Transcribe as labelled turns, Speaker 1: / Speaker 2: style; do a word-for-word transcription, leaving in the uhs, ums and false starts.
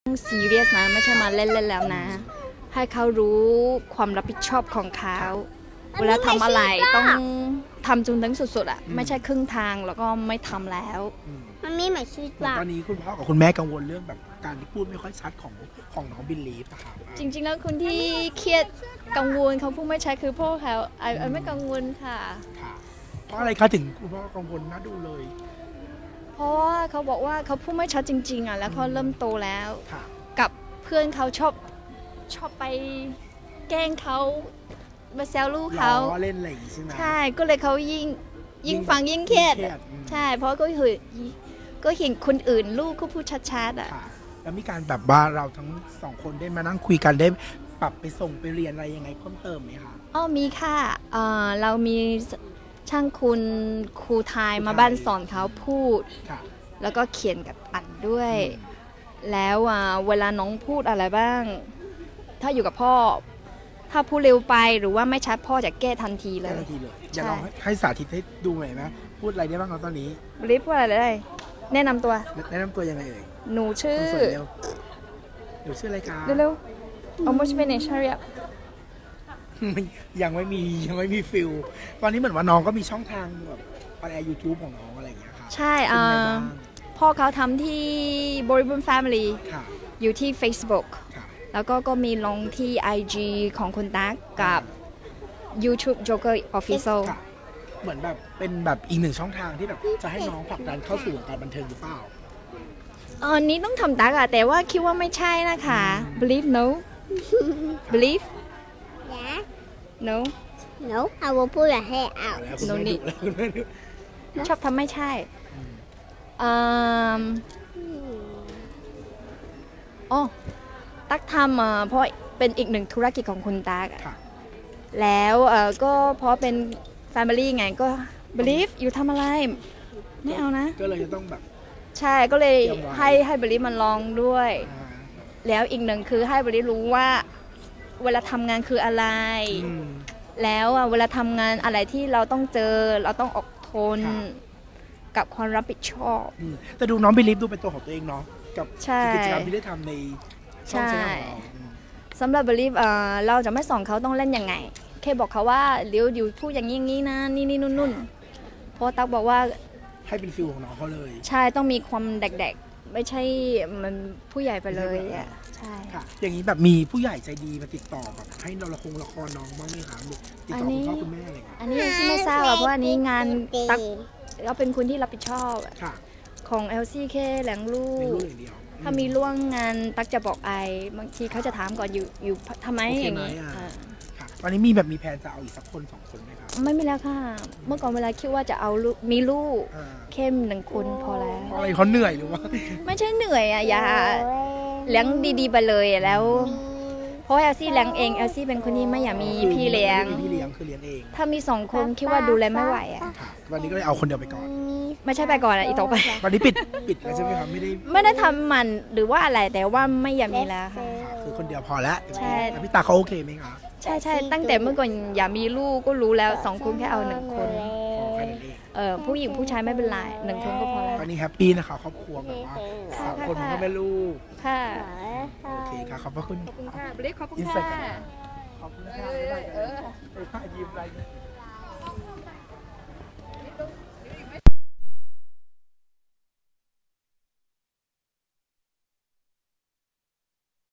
Speaker 1: ซีเรียสนะไม่ใช่มาเล่นๆแล้วนะให้เขารู้ความรับผิดชอบของเขาเวลาทำอะไรต้องทำจนถึงสุดๆอ่ะไม่ใช่ครึ่งทางแล้วก็ไม่ทำแล้ว
Speaker 2: มันมีหมายชีวิตว่า
Speaker 3: ตอนนี้คุณพ่อกับคุณแม่กังวลเรื่องแบบการที่พูดไม่ค่อยชัดของของน้องบิลลีฟอะครับ
Speaker 1: จริงๆแล้วคนที่เครียดกังวลเขาพูดไม่ชัดคือพ่อเขาไอ้ไม่กังวลค่ะ
Speaker 3: เพราะอะไรคะถึงคุณพ่อกังวลน่าดูเลย
Speaker 1: เพราะว่าเขาบอกว่าเขาพูดไม่ชัดจริงๆอ่ะแล้วเขาเริ่มโตแล้วกับเพื่อนเขาชอบชอบไปแกล้งเขามาแซวลูกเขา
Speaker 3: เล่นอะไรใช่ไหม
Speaker 1: ใช่ก็เลยเขายิ่งยิ่งฟังยิ่งเครียดใช่เพราะก็เห็นก็เห็นคนอื่นลูกเขาพูดชัดๆอ่ะ
Speaker 3: แล้วมีการแบบว่าเราทั้งสองคนได้มานั่งคุยกันได้ปรับไปส่งไปเรียนอะไรยังไงเพิ่มเติมไหมคะ
Speaker 1: อ๋อมีค่ะเรามีช่างคุณครูไทยมาบ้านสอนเขาพูดแล้วก็เขียนกับอ่านด้วยแล้วเวลาน้องพูดอะไรบ้างถ้าอยู่กับพ่อถ้าพูดเร็วไปหรือว่าไม่ชัดพ่อจะแก้ทันทีเลย
Speaker 3: ทันทีเลยอย่าลองให้สาธิตให้ดูหน่อยไหมพูดอะไรได้บ้างตอนนี้
Speaker 1: รีบพูดอะไรได้แนะนำตัว
Speaker 3: แนะนำตัวยังไงเอ่ย
Speaker 1: หนูชื่อ
Speaker 3: หนูชื่ออะไรคะ
Speaker 1: เร็วๆเอาโมชิเบเนชั่นเรีย
Speaker 3: ยังไม่มียังไม่มีฟิลตอนนี้เหมือนว่าน้องก็มีช่องทางแบบออนแอร์ยูทูบของน้องอะไรอย่างเงี้ยค่ะ
Speaker 1: ใช่พ่อเขาทำที่บริบูรณ์แฟมิลี่อยู่ที่ Facebook แล้วก็ก็มีลงที่ ไอ จี ของคุณตั๊กกับ YouTube Joker Official
Speaker 3: เหมือนแบบเป็นแบบอีกหนึ่งช่องทางที่แบบจะให้น้องผลักดันเข้าสู่วงการบันเทิงหรือเปล่า
Speaker 1: อันนี้ต้องทำตั๊กอะแต่ว่าคิดว่าไม่ใช่นะคะ believe no believe
Speaker 2: yeah
Speaker 1: no
Speaker 2: no I will pull your hair out
Speaker 1: no need ชอบทำไม่ใช่อ๋อตั๊กทำเพราะเป็นอีกหนึ่งธุรกิจของคุณตั๊กแล้วก็เพราะเป็น Family ไงก็ believe อยู่ทำอะไรไม่เอานะ
Speaker 3: ก็เลยจะต้องแบบ
Speaker 1: ใช่ก็เลยให้ให้ believe มันลองด้วยแล้วอีกหนึ่งคือให้ believe รู้ว่าเวลาทำงานคืออะไรแล้วเวลาทำงานอะไรที่เราต้องเจอเราต้องอดทนกับความรับผิดชอบ
Speaker 3: แต่ดูน้องบิลีฟดูเป็นตัวของตัวเองเนาะกับกิจกรรมที่ได้ทำใน
Speaker 1: ช่องสำหรับบิลีฟเราจะไม่สอนเขาต้องเล่นยังไงแค่บอกเขาว่าเดี๋ยวอยู่พูดอย่างนี้อย่างนี้นะนี่นี่นุ่นๆเพราะตั๊กบอกว่า
Speaker 3: ให้เป็นฟิลของน้องเขาเลย
Speaker 1: ใช่ต้องมีความเด็กๆไม่ใช่มันผู้ใหญ่ไปเลยอ่ะใช่
Speaker 3: ค่ะอย่างนี้แบบมีผู้ใหญ่ใจดีมาติดต่อแบบให้เราละครละครน้องบ้างไหมคะติดต่อคุณพ่อคุณแม่อะไร
Speaker 1: อันนี้ไม่ทราบเพราะอันนี้งานตั๊กเราเป็นคนที่รับผิดชอบของ แอล ซี เค แหลงลูกถ้ามีล่วงงานตั๊กจะบอกไอบางทีเขาจะถามก่อนอยู่อยู่ทำไมอย่างนี้
Speaker 3: ตอนนี้มีแบบมีแผนจะเอาอีกสักคนสองคนไหมครับ
Speaker 1: ไม่มีแล้วค่ะเมื่อก่อนเวลาคิดว่าจะเอามีลูกเข้มหนึ่งคนพอแล้ว
Speaker 3: อะไรเขาเหนื่อยหรือว่า
Speaker 1: ไม่ใช่เหนื่อยอ่ะอย่าเลี้ยงดีๆไปเลยแล้วเพราะแอลซี่เลี้ยงเองแอลซี่เป็นคนที่ไม่อยากมีพี่เลี้ยง
Speaker 3: พี่เลี้ยงคือเลี้ยงเอง
Speaker 1: ถ้ามีสองคนคิดว่าดูแลไม่ไหวอ่ะ
Speaker 3: วันนี้ก็เลยเอาคนเดียวไปก่อน
Speaker 1: ไม่ใช่ไปก่อนอ่ะอีกต่อไป
Speaker 3: ตอนนี้ปิดปิดแล้วใช่ไหมครับไม่ได้
Speaker 1: ไม่ได้ทำมันหรือว่าอะไรแต่ว่าไม่อยากมีแล้วค่ะ
Speaker 3: คือคนเดียวพอแล้ว
Speaker 1: ใช่
Speaker 3: แต่พี่ตาเขาโอเคไหมคะ
Speaker 1: ใช่ใช่ตั้งแต่เมื่อก่อนอยากมีลูกก็รู้แล้วสองคนแค่เอาหนึ่งคนเออผู้หญิงผู้ชายไม่เป็นไรหนึ่งคนก็พอแล้ว
Speaker 3: ตอนนี้แฮปปี้นะคะครอบครัวแบบว่าสามคนก็ไม่ลูก
Speaker 1: ค่ะ
Speaker 3: โอเคค่ะขอบพระคุณ
Speaker 1: ขอบคุณค่ะบริขอบคุณค่ะ
Speaker 3: ขอบคุณค่ะยิ้มอะไร